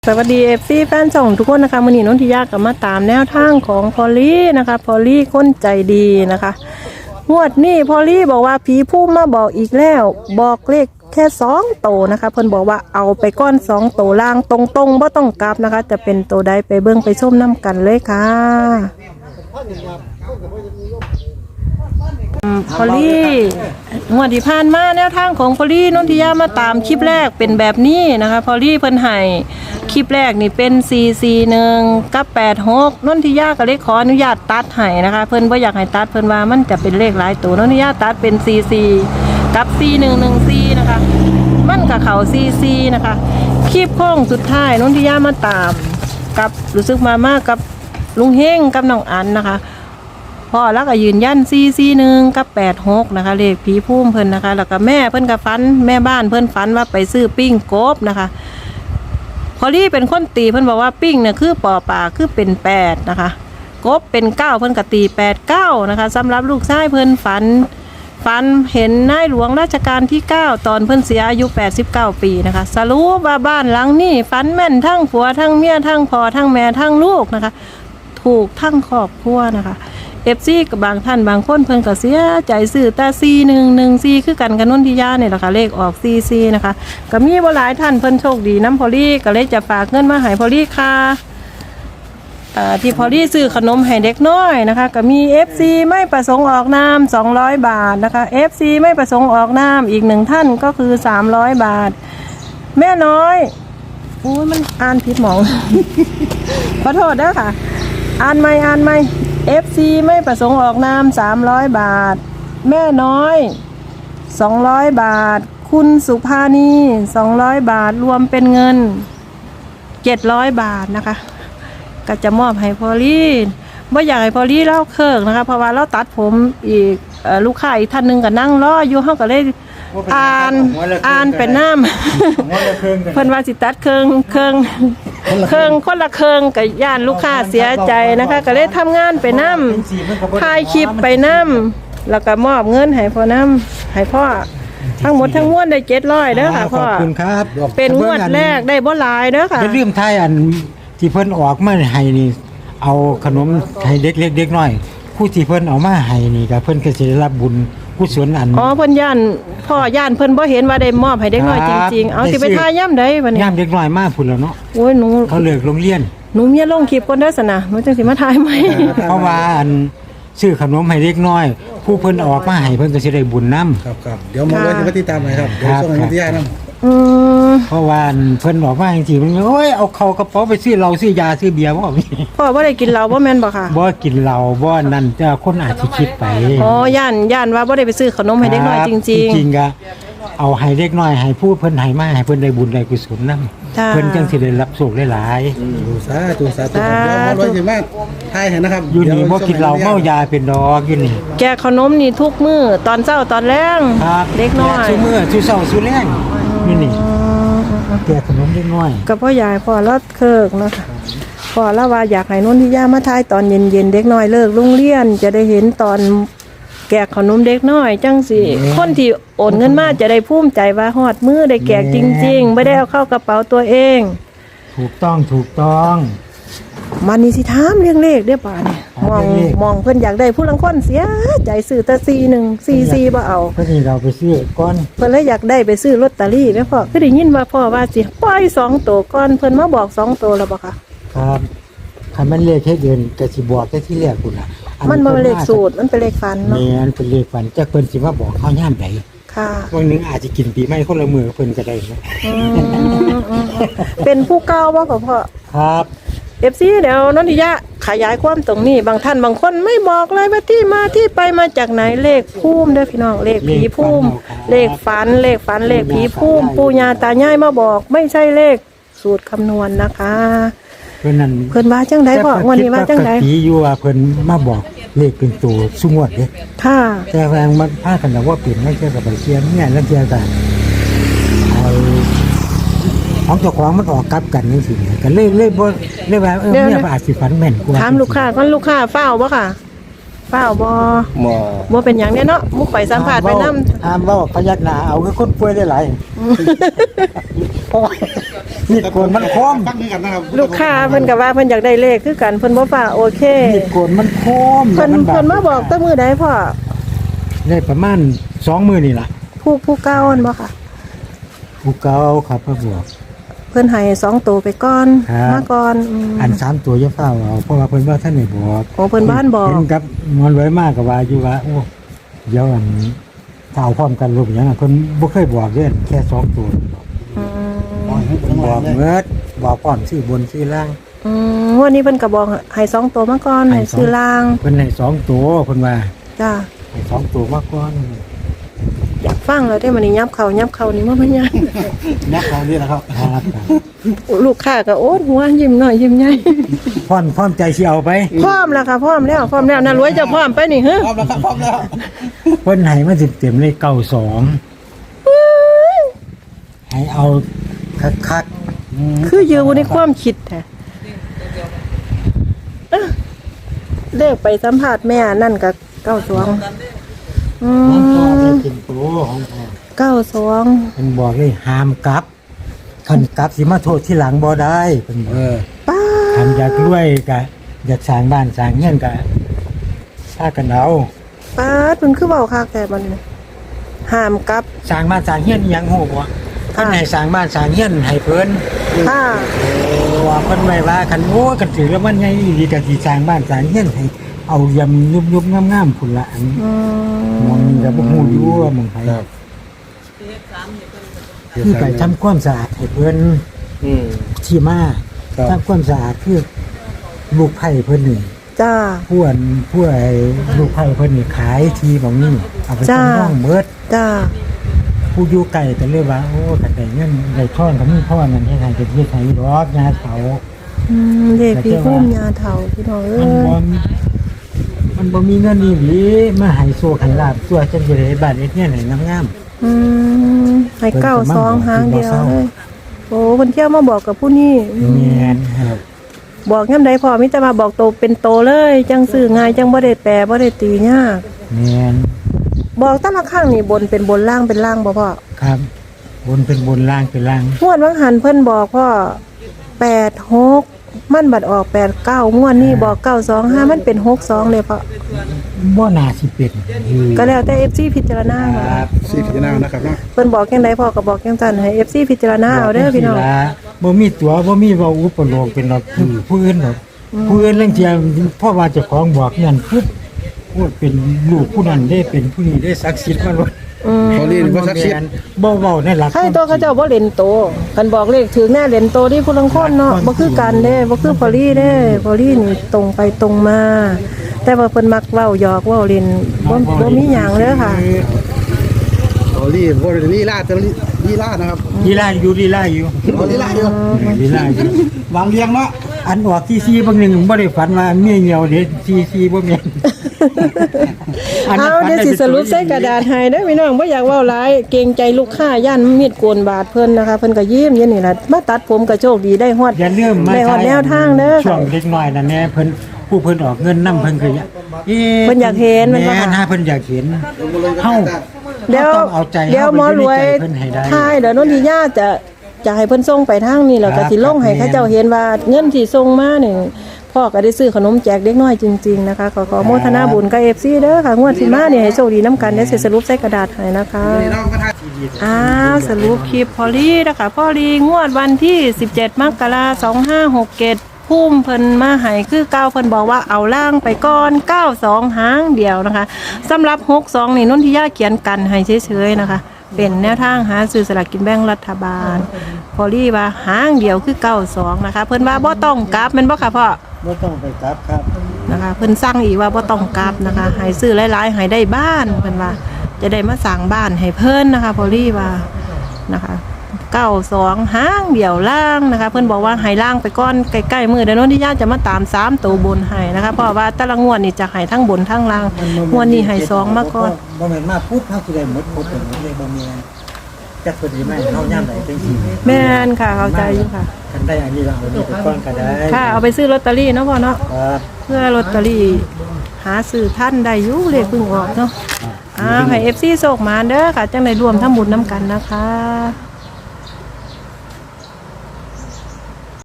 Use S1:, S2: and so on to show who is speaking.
S1: สวัสดีFCแฟนช่องทุกคนนะคะมื้อนี้นนทิยากับมาตามแนวทางของพอลลี่นะคะพอลลี่คนใจดีนะคะงวดนี้พอลลี่บอกว่าผีผู้มาบอกอีกแล้วบอกเลขแค่2 โตวนะคะเพิ่นบอกว่าเอาไปก้อน2 โตวล่างตรงๆบ่ต้องกลับนะคะจะเป็นโตวใดไปเบิ่งไปชมน้ำกันเลยค่ะพอลลี่งวดที่ผ่านมาแนวทางของพอลลี่นนทิยามาตามคลิปแรกเป็นแบบนี้นะคะพอลลี่เพิ่นให้คลิปแรกนี่เป็น441กับ86นนทิยาก็เลยขออนุญาตตัดให้นะคะเพิ่นบ่อยากให้ตัดเพิ่นว่ามันจะเป็นเลขหลายตัวนนทิยาตัดเป็น44กับ4114นะคะมันก็เข้า44นะคะคลิปโค้งสุดท้ายนนทิยามาตามกับรู้สึกมากับลุงเฮงกับน้องอันนะคะพ่อแล้วก็ยืนยัน441กับ86นะคะเลขผีพุ่มเพิ่นนะคะแล้วก็แม่เพิ่นก็ฝันแม่บ้านเพิ่นฝันว่าไปซื้อปิ้งกบนะคะพอลี่เป็นคนตีเพิ่นบอกว่าปิ้งเนี่ยคือปอป่าคือเป็น8นะคะกบเป็น9เพิ่นก็ตี89นะคะสำหรับลูกชายเพิ่นฝันเห็นนายหลวงรัชกาลที่9ตอนเพิ่นเสียอายุ89 ปีนะคะสรุปว่าบ้านหลังนี้ฝันแม่นทั้งผัวทั้งเมียทั้งพ่อทั้งแม่ทั้งลูกนะคะถูกทั้งครอบครัวนะคะFC กับบางท่านบางคนเพิ่นก็เสียใจซื้อแต่4114คือกันกับนนทิยาเนี่ยแหละค่ะเลขออก44นะคะก็มีบ่หลายท่านเพิ่นโชคดีน้ำพอลี่ก็เลยจะฝากเงินมาให้พอลี่ค่ะที่พอลี่ซื้อขนมให้เด็กน้อยนะคะก็มี FC ไม่ประสงค์ออกนาม200 บาทนะคะ FC ไม่ประสงค์ออกนามอีก1ท่านก็คือ300 บาทแม่น้อยโอ้ยมันอ่านผิดหมอง ขอโทษเด้อค่ะอ่านใหม่FC ไม่ประสงค์ออกนาม300 บาทแม่น้อย200 บาทคุณสุภานี200 บาทรวมเป็นเงิน700 บาทนะคะก็จะมอบให้พอลี่ว่าอยากให้พอลี่เล่าเคิร์กนะคะเพราะว่าเราตัดผมอีกลูกค้าอีกท่านหนึ่งก็นั่งรออยู่เฮาก็เลยอ่านเป็นน้ำเพิ่นว่าสิตัดเครื่องคนละเครื่องกับย่านลูกค้าเสียใจนะคะก็เลยทำงานไปน้ำถ่ายคลิปไปน้ำแล้วก็มอบเงินให้พ่อน้ำให้พ่อทั้งหมดทั้งมวลได้700เด้อค่ะพ่อ
S2: ขอบคุณครับ
S1: เป็นงวดแรกได้บ่หลายเด้อค่ะ
S2: เป็นเรื่องไทยอันที่เพิ่นออกมาให้นี่เอาขนมให้เด็กเล็กเด็กน้อยผู้ที่เพิ่นเอามาให้นี่ก็เพิ่นก็สิได้รับบุญกุศลอัน
S1: เพิ่นย่านพ่อย่านเพิ่นบ่เห็นว่าได้มอบให้เด็กน้อยจริงๆเอาสิไปทายย่ำใดบัดนี้
S2: ย่ำเด็กน้อยมาพุ่นแล้วเนาะ
S1: โอ้ยหนู
S2: เขาเลิกโรงเรียน
S1: หนูเมียลงคลิปก่อนเด้อซั่นน่ะหนูจังสิมาทายใหม่
S2: เพราะว่าอันซื้อขนมให้เด็กน้อยผู้เพิ่นออกมาให้เพิ่นก็สิได้บุญนำ
S3: ครับเดี๋ยวหมอเลยจะไปติดตามให้ครับเดี๋ยวส่งให้วิทยานํ
S2: เพราะว่าเพิ่นบอกว่าจริงๆมันโอ้ยเอาเข้ากระเป๋าไปซื้อเหล้าซื้อยาซื้อเบียร์บ่
S1: พ่อบ่ได้กินเหล้าบ่แม่นบ่ค่ะ
S2: บ่กินเหล้าบ่นั่นแต่คนอาจสิคิดไป
S1: ย่านว่าบ่ได้ไปซื้อขนมให้เด็กน้อยจริง
S2: ๆจริงๆก็เอาให้เด็กน้อยให้ผู้เพิ่นให้มาให้เพิ่นได้บุญได้กุศลนำเพิ่นจังสิได้รับโชคหลาย
S3: ๆสาธุเดี๋ยวหมอเลยสิมาทายให้นะครับ
S2: อยู่นี่บ่กินเหล้าเมายาเป็นดอกอยู่นี่
S1: แกขนมนี่ทุกมื้อตอนเช้าตอนแลงเด็กน้อย
S2: ซุมื้อซุเช้าซุแลงนี่แกขนมเด็กน้อย
S1: ก็พ่อยายพ่อรถเคิกนะคะพ่อละว่าอยากให้นนทิยามาทายตอนเย็นๆเด็กน้อยเลิกโรงเรียนจะได้เห็นตอนแกะขนมเด็กน้อยจังสิคนที่โอนเงินมาจะได้ภูมิใจว่าฮอดมือได้แกะจริงๆไม่ได้เอาเข้ากระเป๋าตัวเอง
S2: ถูกต้อง
S1: มันนี่สิถามเรื่องเลขได้ป่ะเนี่ยมองเพิ่นอยากได้ผู้ลังคนเสียใจซื้อแต่4144บ่เอา
S2: เพิ่นนี่เราไปซื้อก่อน
S1: เพิ่นเลยอยากได้ไปซื้อลอตเตอรี่แม่พ่อคือได้ยินว่าพ่อว่าสิปล่อย2 ตัวก่อนเพิ่นมาบอก2 ตัวแล้วบ่คะ
S2: ครับคันมันเลขแค่เดือนก็สิบอกแต่ที่แรกพุ่นน่ะ
S1: มันบ่เป็นเลขสูตรมันเป็นเลขฝันเนาะ
S2: แม่นเป็นเลขฝันจักเพิ่นสิมาบอกเฮายามใด
S1: ค่ะ
S2: วันนึงอาจจะกินปีใหม่คนละมื้อเพิ่นก็ได้นะ
S1: เป็นผู้เก่าบ่พ่อ
S2: ครับ
S1: FC เดี๋ยวนนทิยาขยายความตรงนี้บางท่านบางคนไม่บอกเลยว่าที่มาที่ไปมาจากไหนเลขภูมิเด้อพี่น้องเลขผีภูมิเลขฝันเลขผีภูมิปู่ย่าตายายมาบอกไม่ใช่เลขสูตรคำนวณนะคะเพิ่นว่าจังได๋พ่อวันนี้ว่าจังได๋
S2: ผีอยู่ว่าเพิ่นมาบอกเลขเป็นตัวซุงวดเด้
S1: ค่ะ
S2: แต่แรงมันพากันว่าเปลี่ยนไม่ใช่กับไปเชียร์เนี่ยแล้วเชียร์กันของเจ้าของมันออกกลับกันจังซี่กันเลยบ่เลยว่าเนี่ยอาจสิฝันแม่นกว่า
S1: ถามลูกค้าก่อนลูกค้าเฝ้าบ่ค่ะเปล่าบ่
S3: หมอ
S1: บ่เป็นหยังแน่เนาะมุกไปสัมภาษณ์ไปนำ
S2: ห้ามเว้าพยักหน้าเอาคือคนป่วยได้หลายเพราะว่ามีดโกนมันคม
S3: ฟังด้วยกันนะครับ
S1: ลูกค้าเพิ่นก็ว่าเพิ่นอยากได้เลขคือกันเพิ่นบ่ฟ้าโอเค
S2: มีดโกนมันคม
S1: เพิ่น
S2: แล้วบด
S1: เพิ่นมาบอกแต่มื้อใดพ่อ
S2: ได้ประมาณ2มื้อนี่ล่ะ
S1: ผู้เก่าอันบ่ค่ะ
S2: ผู้เก่าครับเพิ่นบอก
S1: เพิ่นให้2ตัวไปก่อน
S2: ครับ
S1: มาก่อน
S2: อัน3ตัวอย่าเฝ้าเอาเพราะว่าเพิ่นว่าท่านได้บอก
S1: โอ้เพิ่นบ้านบอก
S2: เห็นกับหมอนไว้มากก็ว่าอยู่ว่าโอ้เดี๋ยวอันถ้าเอาพร้อมกันรูปหยังอะเพิ่นบ่เคยบอกเด้แค่2ตัว
S1: อืม
S2: บอกเมิดบอกพร้อมชื่อบนชื่อล่าง
S1: วันนี้เพิ่นก็บอกให้2ตัวมาก่อนให้ซื้อล่าง
S2: เพิ่นให้2ตัวเพิ่นว่า
S1: จ้า
S2: ให้2ตัวมาก่อน
S1: อยากฟังแล้วได้มื้อนี้ยับเข้านี่บ่แม่นหยัง
S3: นักเขานี่แหละครับ
S2: ครับ
S1: ลูกค้าก็โอ๊ตหัวยิ้มน้อยยิ้มใหญ่
S2: พร้อมใจสิเอาไป
S1: พร้อมแล้วค่ะพร้อมแล้วน่ารวยจะพร้อมไปนี่ฮะ
S3: พร้อมแล้วครับพร้อมแล้ว
S2: เพิ่นให้มาเต็มๆเลย92ให้เอาคัก
S1: คืออยู่ในความคิดแท้เลขไปสัมภาษณ์แม่นั่นก็92อื
S2: ๆของพ่อได้
S1: ม
S2: กินตัวของพ่อ
S1: 92
S2: เพิ่นบอกเลยห้ามกลับคันกลับสิมาโทษที่หลังบ่ได้เพิ่นบอก
S1: ป้า
S2: ทำอยากรวยก็อยากสร้างบ้านสร้างเงินก็พากันเอา
S1: ป้าเพิ่นคือเว้าคักแต่มันห้ามกลับ
S2: สร้างบ้านสร้างเงินอิหยังฮู้บ่เพิ่นให้สร้างบ้านสร้างเงินให้เพิ่น
S1: ค่ะ
S2: ว่าเพิ่นไว้ว่าคันโอ้กันถือแล้วมันใหญ่อีหลีก็สิสร้างบ้านสร้างเงินให้เอายำยุบๆงามๆพุ่นละอัน
S1: อื
S2: มองนี่ก็บ่ฮู้อยู่ว่าหมองไผ
S3: ครับ
S2: คือไปทำความสะอาดให้เพิ่น
S3: อืม
S2: ที่มา
S3: ครับ
S2: ทำความสะอาดคือลูกไผ่เพิ่นนี่
S1: จ้า
S2: ผู้ไอ้ลูกไผ่เพิ่นนี่ขายทีหม่องนี้เอาไป
S1: จ้า
S2: จำนองเบิด
S1: จ้า
S2: ผู้อยู่ไกลก็เลยว่าโอ้คันได้เงินได้ทอนก็มีพ่อนั่นเฮ็ดให้ก็เฮ็ดให้ดอกยาเขา
S1: เด็กพี่พุ่มยาเฒ่าพี่น้องเอ้
S2: มันบ่มีเงินอีหลีมาให้โซให้ลาบตัวจังสิได้บ้านเฮ็ดเงินให้งาม
S1: ให้92หางเดียวเลยโอ้เพิ่นเที่ยวมาบอกกับผู้นี้
S2: ๆแม่นครับ
S1: บอกยามใดพอมีแต่มาบอกโตเป็นโตเลยจังซื้อง่ายจังบ่ได้แปรบ่ได้ตียาก
S2: แม่น
S1: บอกแต่ละครั้งนี่บนเป็นบนล่างเป็นล่างบ่พ่อ
S2: ครับบนเป็นบนล่างเป็นล่าง
S1: งวดวังหันเพิ่นบอกพ่อ86มันบัดออก89งวดนี้บอก925มันเป็น62เลยพ่อ
S2: บ่น่าสิเป็นคือ
S1: ก็แล้วแต่ FC พิจารณา
S2: ค
S1: ค่ะ
S2: รับ
S3: สีพิจารณานะครับเนาะ
S1: เพิ่นบอกจังไดพ่อก็บอกจังซั่นให้ FC พิจารณาเอาเด้อพี่น้อง
S2: บ่มีตัวบ่มีเว้าอุปโลกเป็นดอกผู้อื่นดอกผู้อื่นเรื่องเที่ยพ่อว่าเจ้าของบอกนั่นปุ๊บพูดเป็นลูกผู้นั้นได้เป็นผู้นี้ได้ศักดิ์สิทธิ์มาเลย
S3: เขาเรียนว่าสักดิ์สิทธิ์
S2: บ่เว้าในหลัก
S1: ให้ตัวเขาเจ้าบ่เล่นโตกันบอกเลขถึงแน่เล่นโตที่ผู้ลังคนเนาะบ่คือกันเด้บ่คือพอลี่เด้พอลี่นี่ตรงไปตรงมา แต่ว่าเพิ่นมักเว้าหยอกเว้าเล่นบ่มีหยังเด้อค่ะ
S3: เขาเรียนว่าลีลาจะลีลานะครับ
S2: ลีลาอยู่ลีลาอยู่
S3: เขาลีลาอยู่
S2: ลีลาอยู่
S3: วางเรียงเนาะ
S2: อันออกที่ซีบางหนึงบ่ได้ฝันว่าเมียเหี่ยวเด้ซีบ่แม่น
S1: เอาเดี๋ยวสิสรุปใส่กระดาษให้เด้อพี่น้องบ่อยากเว้าหลายเกรงใจลูกค้าย่านมีดโกนบาดเพิ่นนะคะเพิ่นก็ยิ้มอย่างนี้ล่ะมาตัดผมก็โชคดีได้ฮอด
S2: อย่าลืมมา
S1: ได้ฮอดแนวทางเด้อ
S2: ช่วงเด็กน้อยนั่นแน่เพิ่นผู้เพิ่นออกเงินนํเพิ่นก็อยากเอ๊ะ
S1: เพิ่นอยากเห็นมันบ่
S2: แม่
S1: ค่ะ
S2: นหาเพิ่นอยากเห็นเฮา
S1: เดี๋ยว
S2: ต้องเอาใจ
S1: เดี๋ยวหมอรวย
S2: เพิ่นให้ได้
S1: ท้ายเดี๋ยวนนทิยาจะให้เพิ่นส่งไปทางนี้แล้วก็สิลงให้เขาเจ้าเห็นว่าเงินที่ส่งมานี่พ่อก็ได้ซื้อขนมแจกเด็กน้อยจริงๆนะคะขอโมทนาบุญกับ FC เด้อค่ะงวดที่มาเนี่ยให้โชคดีน้ำกันได้สิสรุปใส่กระดาษให้นะคะ
S3: นี่น้องมาทาย
S1: อ้าวสรุปคลิปพอลี่นะคะพอลี่งวดวันที่17มกราคม2567พุ่มเพิ่นมาให้คือเก้าเพิ่นบอกว่าเอาล่างไปก่อน92หางเดียวนะคะสำหรับ62นี่นนทิยาเขียนกันให้เฉยๆนะคะเป็นแนวทางหาซื้อสลากกินแบ่งรัฐบาลพอลี่ว่าหางเดียวคือ92นะคะเพิ่นว่าบ่ต้องกลับแม่นบ่ค่ะพ่อ
S2: บ่ต้องไปกลับครับ
S1: นะคะเพิ่นสั่งอีกว่าบ่ต้องกลับนะคะให้ซื้อหลายๆให้ได้บ้านเพิ่นว่าจะได้มาสร้างบ้านให้เพิ่นนะคะพอลี่ว่านะคะ92หางเดี่ยวล่างนะคะเพิ่นบอกว่าให้ล่างไปก่อนใกล้ๆมื้อเดี๋ยวโน้นที่ญาติจะมาตาม3ตัวบนให้นะคะเพราะว่าแต่ละงวดนี่จะให้ทั้งบนทั้งล่างงวดนี้ให้2มาก่อน
S2: บ่แม่นมาปุ๊บเฮาสิได้หมดหมดเลยบ่แม่นจักเพิ่นสิมาให้เฮายามใดจังซี่
S1: แม่นค่ะเข้าใจอยู่ค่ะ
S2: คันได้อันนี้ก็เอาอันนี้ไปก่อนก็ได้
S1: ค่ะเอาไปซื้อลอตเตอรี่เนาะพ่อเนาะ
S2: ครับ
S1: เพื่อลอตเตอรี่หาซื้อท่านได้อยู่เลขเพิ่งออกเนาะให้ FC โชคมาเด้อค่ะจังได้รวมทำบุญนํกันนะคะ